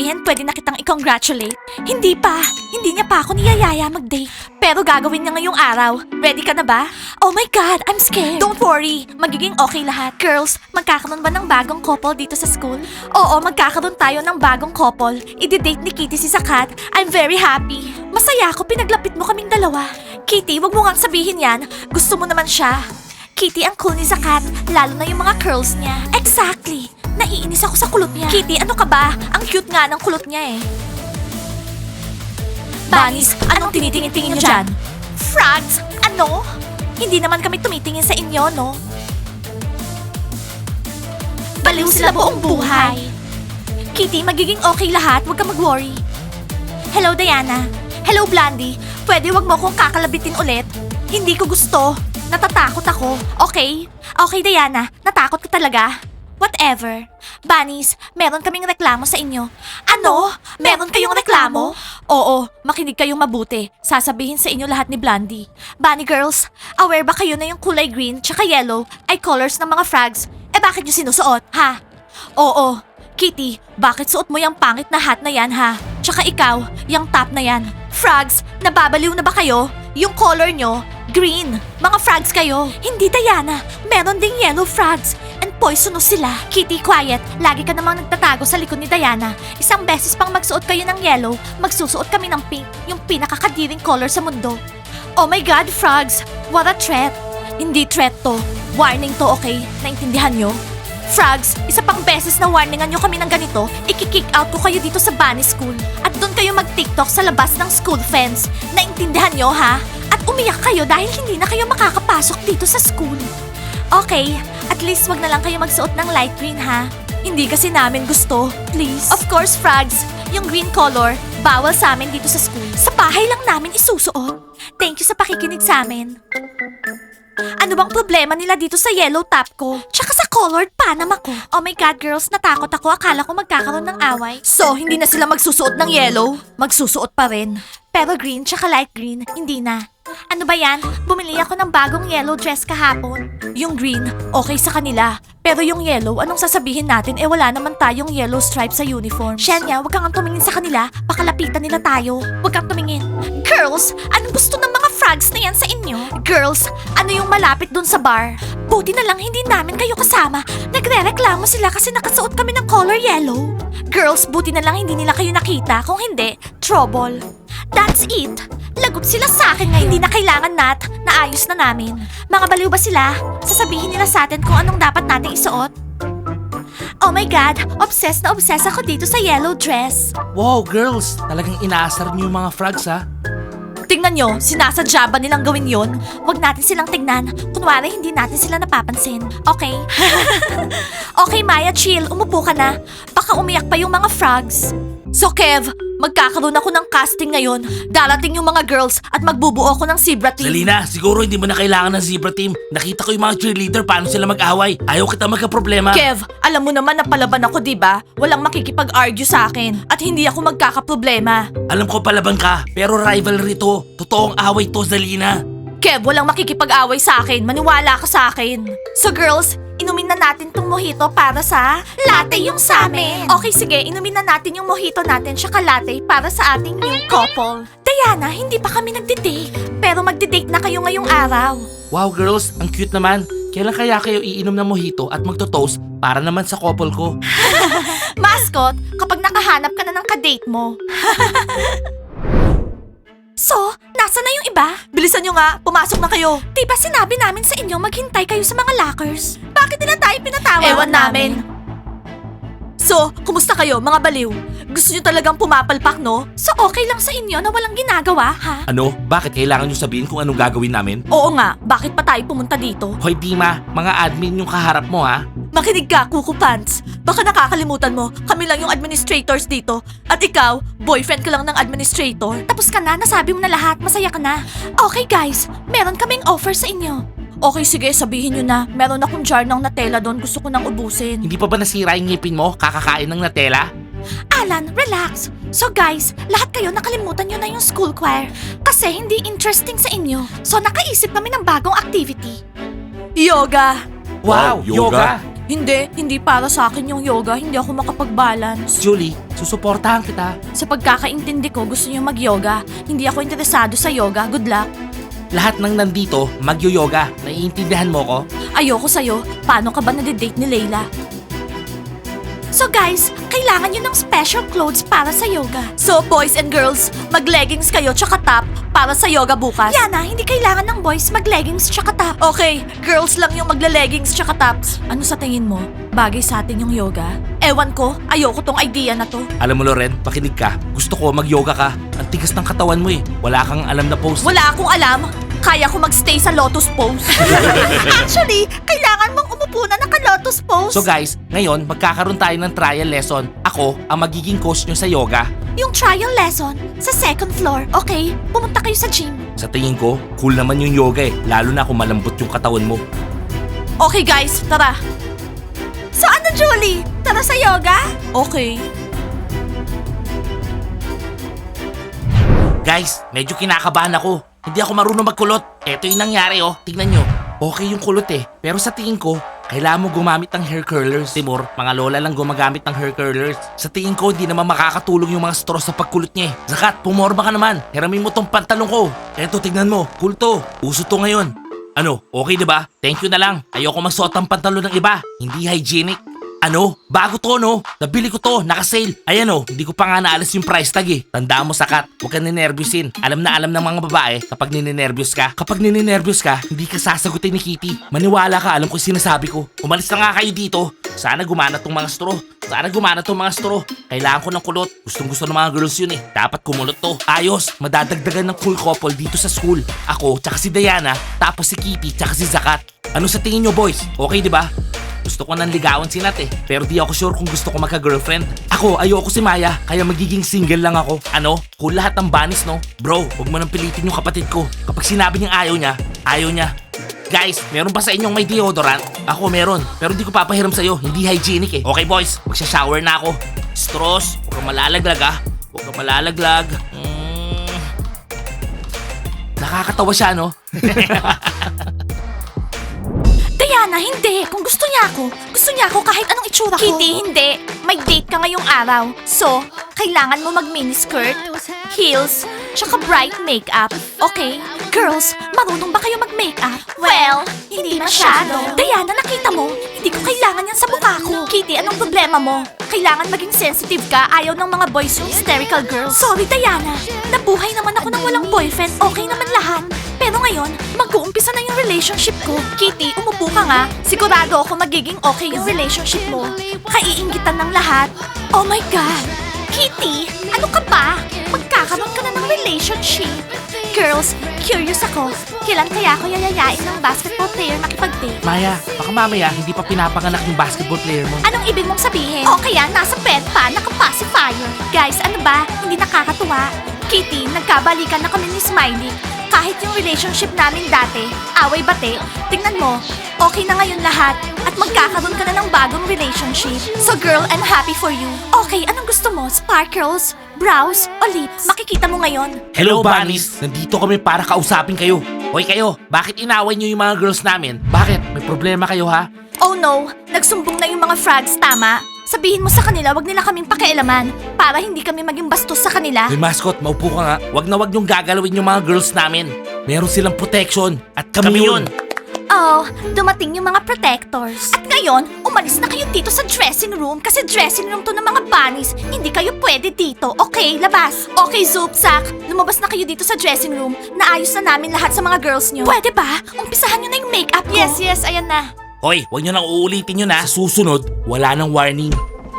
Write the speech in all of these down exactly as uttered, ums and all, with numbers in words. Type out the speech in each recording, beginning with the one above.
sabihin pwede na kitang i-congratulate? Hindi pa. Hindi niya pa ako niyayaya mag-date. Pero gagawin niya ngayong araw. Ready ka na ba? Oh my God, I'm scared. Don't worry. Magiging okay lahat. Girls, magkakaroon ba ng bagong couple dito sa school? Oo, magkakaroon tayo ng bagong couple. I-date ni Kitty si Sakat. I'm very happy. Masaya ako pinaglapit mo kaming dalawa. Kitty, wag mo ngang sabihin yan. Gusto mo naman siya. Kitty, ang cool ni Sakat. Lalo na yung mga curls niya. Exactly. Naiinis ako sa kulot niya. Kitty, ano ka ba? Ang cute nga ng kulot niya eh. Bunnies, anong tinitingin-tingin niyo dyan? Frogs, ano? Hindi naman kami tumitingin sa inyo, no? Baliw sila buong buhay. Kitty, magiging okay lahat. Huwag ka mag-worry. Hello, Diana. Hello, Blondie. Pwede wag mo akong kakalabitin ulit? Hindi ko gusto. Natatakot ako. Okay? Okay, Diana. Natakot ka talaga? Whatever. Bunnies, meron kaming reklamo sa inyo. Ano? Meron kayong reklamo? Oo, makinig kayong mabuti. Sasabihin sa inyo lahat ni Blondie. Bunny girls, aware ba kayo na yung kulay green tsaka yellow ay colors ng mga frogs? Eh bakit nyo sinusuot, ha? Oo. Kitty, bakit suot mo yung pangit na hat na yan, ha? Tsaka ikaw, yung top na yan. Frogs, nababaliw na ba kayo? Yung color nyo, green. Mga frogs kayo. Hindi, Diana. Meron ding yellow frogs. And poisonous sila. Kitty, quiet. Lagi ka namang nagtatago sa likod ni Diana. Isang beses pang magsuot kayo ng yellow, magsusuot kami ng pink, yung pinakakadiring color sa mundo. Oh my God, frogs! What a threat! Hindi threat to. Warning to, okay? Naintindihan nyo? Frogs, isa pang beses na warningan nyo kami ng ganito, iki-kick out ko kayo dito sa Bunny School. At doon kayo mag-tiktok sa labas ng school fence. Naintindihan nyo, ha? At umiyak kayo dahil hindi na kayo makakapasok dito sa school. Okay, at least wag na lang kayo magsuot ng light green, ha? Hindi kasi namin gusto. Please. Of course, Frogs. Yung green color, bawal sa amin dito sa school. Sa bahay lang namin isusuot. Thank you sa pakikinig sa amin. Ano bang problema nila dito sa yellow top ko? Tsaka sa colored Panama ko? Oh my God, girls, natakot ako. Akala ko magkakaroon ng away. So, hindi na sila magsusuot ng yellow? Magsusuot pa rin. Pero green tsaka light green, hindi na. Ano ba yan? Bumili ako ng bagong yellow dress kahapon. Yung green, okay sa kanila. Pero yung yellow, anong sasabihin natin? Eh wala naman tayong yellow stripe sa uniform. Shenya, wag kang tumingin sa kanila. Baka lapitan nila tayo. Wag kang tumingin. Girls, anong gusto ng mga frogs na yan sa inyo? Girls, ano yung malapit dun sa bar? Buti na lang hindi namin kayo kasama. Nagre-reklamo sila kasi nakasuot kami ng color yellow. Girls, buti na lang hindi nila kayo nakita. Kung hindi, trouble. That's it. Lagot sila sa akin ngayon. Hindi na kailangan, Nat. Naayos na namin. Mga baliw ba sila? Sasabihin nila sa atin kung anong dapat nating isuot? Oh my God! Obsessed na obsessed ako dito sa yellow dress. Wow, girls! Talagang inaasar niyo yung mga frogs, ha? Tingnan nyo, sinasadya ba nilang gawin yon? Huwag natin silang tignan. Kunwari, hindi natin sila napapansin. Okay? Okay, Maya, chill. Umupo ka na. Baka umiyak pa yung mga frogs. So, Kev, magkakaroon ako ng casting ngayon. Darating yung mga girls at magbubuo ako ng zebra team. Salina, siguro hindi mo na kailangan ng zebra team. Nakita ko yung mga cheerleader paano sila mag-away. Ayaw kita magka-problema. Kev, alam mo naman na palaban ako, di ba? Walang makikipag-argue sa akin. At hindi ako magkakaproblema. Alam ko palaban ka, pero rivalry to. Totoong away to, Zalina. Kev, walang makikipag-away sa akin. Maniwala ka sa akin. So girls, inumin na natin tong mojito para sa latte yung sa amin. Okay, sige. Inumin na natin yung mojito natin tsaka latte para sa ating new couple. Diana, hindi pa kami nagde-date. Pero magde-date na kayo ngayong araw. Wow, girls, ang cute naman. Kailan kaya kayo iinom ng mojito at magto-toast para naman sa couple ko? Mascot, kapag nakahanap ka na ng kadate mo. So, nasa na yung iba? Bilisan nyo nga, pumasok na kayo. Diba sinabi namin sa inyo maghintay kayo sa mga lockers? Bakit nila tayo pinatawag? Ewan namin. So, kumusta kayo, mga baliw? Gusto nyo talagang pumapalpak, no? So, okay lang sa inyo na walang ginagawa, ha? Ano? Bakit kailangan nyo sabihin kung anong gagawin namin? Oo nga, bakit pa tayo pumunta dito? Hoy, Dima, mga admin yung kaharap mo, ha? Makinig ka, Kuku Pants. Baka nakakalimutan mo, kami lang yung administrators dito. At ikaw, boyfriend ka lang ng administrator. Tapos ka na, nasabi mo na lahat, masaya ka na. Okay guys, meron kaming offer sa inyo. Okay, sige, sabihin nyo na. Meron akong jar ng Nutella doon, gusto ko nang ubusin. Hindi pa ba nasira yung ngipin mo? Kakakain ng Nutella? Alan, relax. So guys, lahat kayo nakalimutan nyo na yung school choir. Kasi hindi interesting sa inyo. So nakaisip kami ng bagong activity. Yoga. Wow, yoga! Hindi, hindi para sa akin yung yoga. Hindi ako makapag-balance. Julie, Susuportahan kita. Sa pagkakaintindi ko, gusto niyo mag-yoga. Hindi ako interesado sa yoga. Good luck. Lahat ng nandito, magyo-yoga. Naiintindihan mo ko? Ayoko sa'yo. Paano ka ba nade-date ni Layla? So guys, kailangan nyo ng special clothes para sa yoga. So boys and girls, mag-leggings kayo tsaka top para sa yoga bukas. Yana, hindi kailangan ng boys mag-leggings tsaka top. Okay, girls lang yung magla-leggings tsaka tops. Ano sa tingin mo? Bagay sa atin yung yoga? Ewan ko, ayoko tong idea na to. Alam mo Loren, makinig ka. Gusto ko mag-yoga ka. Ang tigas ng katawan mo eh. Wala kang alam na pose. Wala akong alam. Kaya ko magstay sa lotus pose. Actually, kailangan mong umupo na naka-lotus pose. So guys, ngayon magkakaroon tayo ng trial lesson. Ako ang magiging coach nyo sa yoga. Yung trial lesson sa second floor. Okay, pumunta kayo sa gym. Sa tingin ko, cool naman yung yoga eh. Lalo na kung malambot yung katawan mo. Okay guys, tara. So ano Julie? Tara sa yoga? Okay. Guys, medyo kinakabahan ako. Hindi ako marunong magkulot. Eto yung nangyari oh. Tingnan nyo. Okay yung kulot eh. Pero sa tingin ko, kailangan mo gumamit ng hair curlers. Timur, mga lola lang gumagamit ng hair curlers. Sa tingin ko, hindi naman makakatulong yung mga straw sa pagkulot niya eh. Zakat, pumorma ka naman. Hiramin mo tong pantalong ko. Eto, tignan mo. Cool to. Uso to ngayon. Ano, okay diba? Thank you na lang. Ayoko magsuot ng pantalon ng iba. Hindi hygienic. Ano? Bago to no? Nabili ko to, naka-sale. Ayan oh, hindi ko pa nga naalis yung price tag eh. Tandaan mo Sakat, huwag ka ninervyusin. Alam na alam ng mga babae kapag nininervyos ka. Kapag nininervyos ka, hindi ka sasagutin ni Kitty. Maniwala ka, alam ko yung sinasabi ko. Umalis na nga kayo dito. Sana gumana tong mga straw. Sana gumana tong mga straw. Kailangan ko ng kulot. Gustong gusto ng mga girls yun eh. Dapat kumulot to. Ayos, madadagdagan ng cool couple dito sa school. Ako, tsaka si Diana, tapos si Kitty, tsaka si Zakat. Ano sa tingin nyo boys? Okay di ba? Gusto ko nang ligawan si Nat eh. Pero di ako sure kung gusto ko magka-girlfriend. Ako, ayoko si Maya, kaya magiging single lang ako. Ano? Cool lahat ng banis, no? Bro, huwag mo nang pilitin yung kapatid ko. Kapag sinabi niyang ayaw niya, ayaw niya. Guys, meron ba sa inyong may deodorant? Ako meron, pero di ko papahiram sa'yo. Hindi hygienic eh. Okay boys, magsha-shower na ako. Straws, huwag kang malalaglag ah. Huwag kang malalaglag. Mm. Nakakatawa siya, no? Diana, hindi. Kung gusto niya ako, gusto niya ako kahit anong itsura ko. Kitty, hindi. May date ka ngayong araw. So, kailangan mo mag-miniskirt, heels, tsaka bright makeup. Okay? Girls, marunong ba kayo mag-makeup? Well, hindi masyado. Diana, nakita mo? Hindi ko kailangan yan sa mukha ko. Kitty, anong problema mo? Kailangan maging sensitive ka. Ayaw ng mga boys yung hysterical girls. Sorry, Diana. Nabuhay naman ako ng walang boyfriend. Okay naman lahat. Pero ngayon, mag-uumpisa na yung relationship ko. Kitty, umupo ka nga. Sigurado ako magiging okay yung relationship mo. Kaiingitan ng lahat. Oh my God! Kitty, ano ka ba? Magkakaroon ka na ng relationship. Girls, curious ako. Kailan kaya ako yayayain ng basketball player makipag-date? Maya, baka mamaya hindi pa pinapanganak yung basketball player mo. Anong ibig mong sabihin? O kaya nasa bed pa, naka-pacifier. Guys, ano ba? Hindi nakakatuwa. Kitty, nagkabalikan na kami ni Smiley. Kahit yung relationship namin dati, away-bate, tingnan mo, okay na ngayon lahat at magkakaroon ka na ng bagong relationship. So girl, I'm happy for you. Okay, anong gusto mo? Sparkles? Brows? O lips? Makikita mo ngayon. Hello, Bunnies! Nandito kami para kausapin kayo. Hoy kayo, bakit inaway niyo yung mga girls namin? Bakit? May problema kayo ha? Oh no, nagsumbong na yung mga frogs, tama? Sabihin mo sa kanila, wag nila kaming pakialaman para hindi kami maging bastos sa kanila. Hoy mascot, maupo ka nga. Wag na wag niyong gagalawin yung mga girls namin. Meron silang protection at kami, Kami yun. Oh, dumating yung mga protectors. At ngayon, umalis na kayo dito sa dressing room kasi dressing room to ng mga bunnies. Hindi kayo pwede dito. Okay, labas. Okay, Zoopsak, lumabas na kayo dito sa dressing room. Naayos na namin lahat sa mga girls nyo. Pwede ba? Umpisahan nyo na yung makeup ko. Yes, yes, ayan na. Hoy, wag niyo nang uulitin yun ha. Sa susunod, wala nang warning.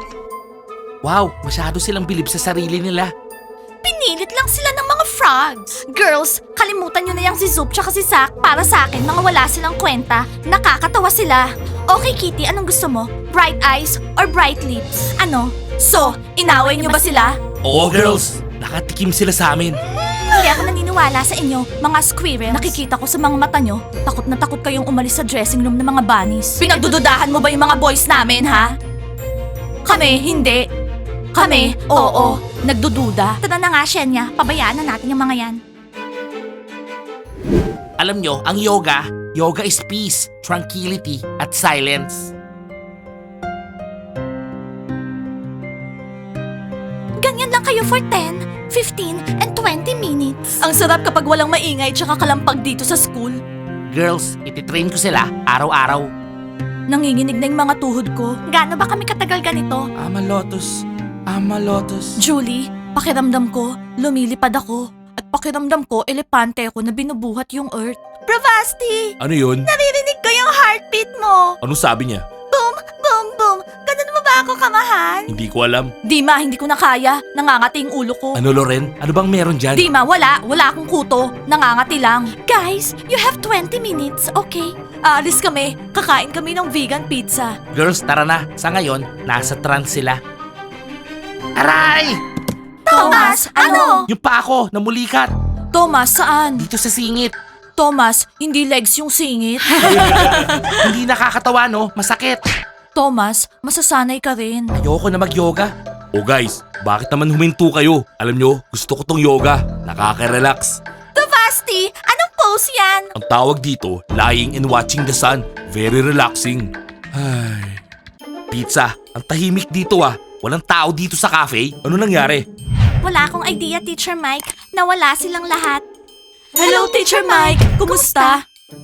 Wow, masyado silang bilib sa sarili nila. Pinilit lang sila ng mga frogs. Girls, kalimutan nyo na yung si Zoop tsaka si Zack. Para sa akin, mga wala silang kwenta. Nakakatawa sila. Okay, Kitty, anong gusto mo? Bright eyes or bright lips? Ano? So, inaway nyo ba sila? Oo, girls. Nakatikim sila sa amin. Hindi ako naniniwala sa inyo, mga squirrels. Nakikita ko sa mga mata nyo, takot na takot kayong umalis sa dressing room ng mga bunnies. Pinagdududahan mo ba yung mga boys namin, ha? Kami, hindi. Kami, oo, nagdududa. Tara na nga, Shenya, pabayaan na natin yung mga yan. Alam nyo, ang yoga, yoga is peace, tranquility, at silence. for ten, fifteen, and twenty minutes. Ang sarap kapag walang maingay tsaka kalampag dito sa school. Girls, ititrain ko sila araw-araw. Nanginginig na yung mga tuhod ko. Gaano ba kami katagal ganito? Ama Lotus, Ama Lotus. Julie, pakiramdam ko, lumilipad ako. At pakiramdam ko, elepante ako na binubuhat yung earth. Bravasti! Ano yun? Naririnig ko yung heartbeat mo! Anong sabi niya? Boom, boom, boom! Ganun mo ba ako kamahal? Hindi ko alam. Dima, hindi ko na kaya. Nangangati yung ulo ko. Ano Loren? Ano bang meron dyan? Dima, wala. Wala akong kuto. Nangangati lang. Guys, you have twenty minutes, okay? Aalis kami. Kakain kami ng vegan pizza. Girls, tara na. Sa ngayon, nasa trance sila. Aray! Thomas, ano? Yung pa ako, namulikat. Thomas, saan? Dito sa singit. Thomas, hindi legs yung singit. Hindi nakakatawa, no? Masakit. Thomas, masasanay ka rin. Ayoko na mag-yoga. Oh guys, bakit naman huminto kayo? Alam nyo, gusto ko tong yoga. Nakaka-relax. Bravasti, anong pose yan? Ang tawag dito, lying and watching the sun. Very relaxing. Ay. Pizza, ang tahimik dito ah. Walang tao dito sa cafe. Ano nangyari? Wala akong idea, Teacher Mike. Nawala silang lahat. Hello, Teacher Mike. Kumusta?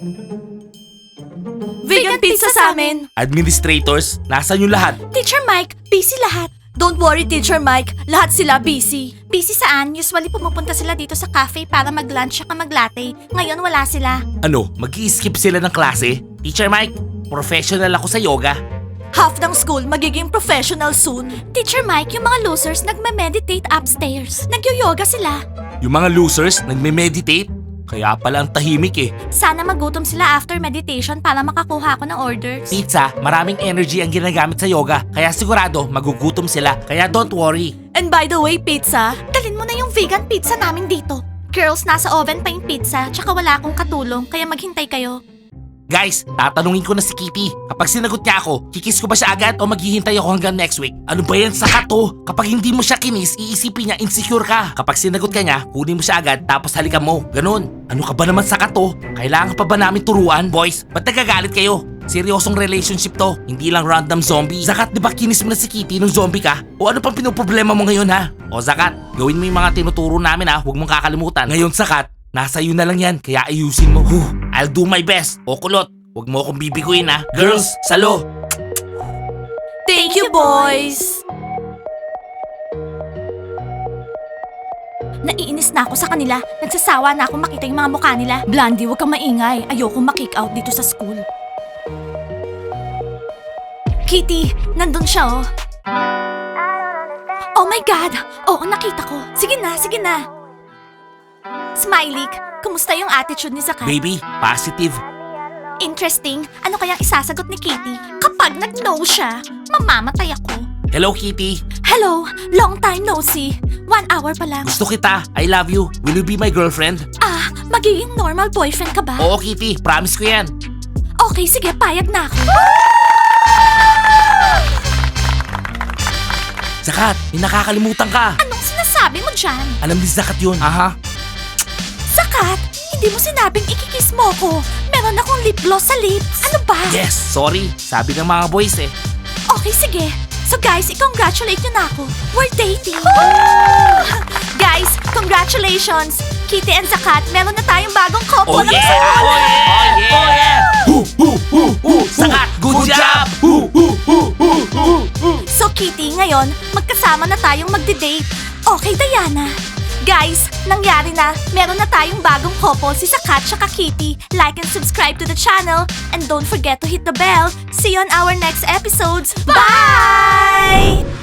Vegan pizza sa amin. Administrators, nasan yung lahat? Teacher Mike, busy lahat. Don't worry, Teacher Mike. Lahat sila busy. Busy saan? Usually pumupunta sila dito sa cafe para mag-lunch at mag-latte. Ngayon wala sila. Ano, mag-i-skip sila ng klase? Teacher Mike, professional ako sa yoga. Half ng school magiging professional soon. Teacher Mike, yung mga losers nagme-meditate upstairs. Nagyo-yoga sila. Yung mga losers, nagme-meditate? Kaya pala ang tahimik eh. Sana magutom sila after meditation para makakuha ako ng orders. Pizza, maraming energy ang ginagamit sa yoga. Kaya sigurado, magugutom sila. Kaya don't worry. And by the way, pizza, dalin mo na yung vegan pizza namin dito. Girls, nasa oven pa yung pizza, tsaka wala akong katulong, kaya maghintay kayo. Guys, tatanungin ko na si Kitty. Kapag sinagot niya ako, kikis ko ba siya agad o maghihintay ako hanggang next week? Ano ba yan sa kato? Kapag hindi mo siya kinis, iisipin niya insecure ka. Kapag sinagot ka niya, kunin mo siya agad tapos halikan mo. Ganon. Ano ka ba naman sa kato? Kailangan pa ba namin turuan? Boys, ba't nagagalit kayo? Seryosong relationship to, hindi lang random zombie. Zakat, di ba kinis mo na si Kitty nung zombie ka? O ano pang pinoproblema mo ngayon ha? O Zakat, gawin mo yung mga tinuturo namin ha, huwag mong kakalimutan. Ngayon Zakat, nasa iyo na lang yan, kaya ayusin mo. Huh, I'll do my best. O kulot, huwag mo akong bibiguin ha. Girls, salo! Thank you, boys! Naiinis na ako sa kanila. Nagsasawa na ako makita yung mga mukha nila. Blondie, huwag kang maingay. Ayoko makick out dito sa school. Kitty, nandun siya oh. Oh my God! Oo, nakita ko. Sige na, sige na. Smiley, kumusta yung attitude ni Zakat? Baby, positive. Interesting. Ano kayang isasagot ni Kitty? Kapag nag-no siya, mamamatay ako. Hello Kitty, Hello, long time no see. One hour pa lang. gusto kita. I love you. Will you be my girlfriend? Ah, magiging normal boyfriend ka ba? Oo Kitty, promise ko yan. Okay, sige, payag na ako. Zakat, may nakakalimutan ka. Anong sinasabi mo dyan? Alam ni Zakat yun. Aha. Zakat, hindi mo sinabing ikikiss mo ko. Meron akong lip gloss sa lips. Ano ba? Yes, sorry. Sabi ng mga boys eh. Okay, sige. So guys, i-congratulate nyo na ako. We're dating. Guys, congratulations. Kitty and Zakat, meron na tayong bagong couple Oh ng yeah! school. Oh yeah! Oh yeah! Hu, hu, hu, hu. Zakat, good job! Hu, hu, hu, hu, hu, hu. So Kitty, ngayon, magkasama na tayong magde-date. Okay, Diana. Guys, nangyari na. Meron na tayong bagong couple, si Zakat at Kitty. Like and subscribe to the channel. And don't forget to hit the bell. See you on our next episodes. Bye!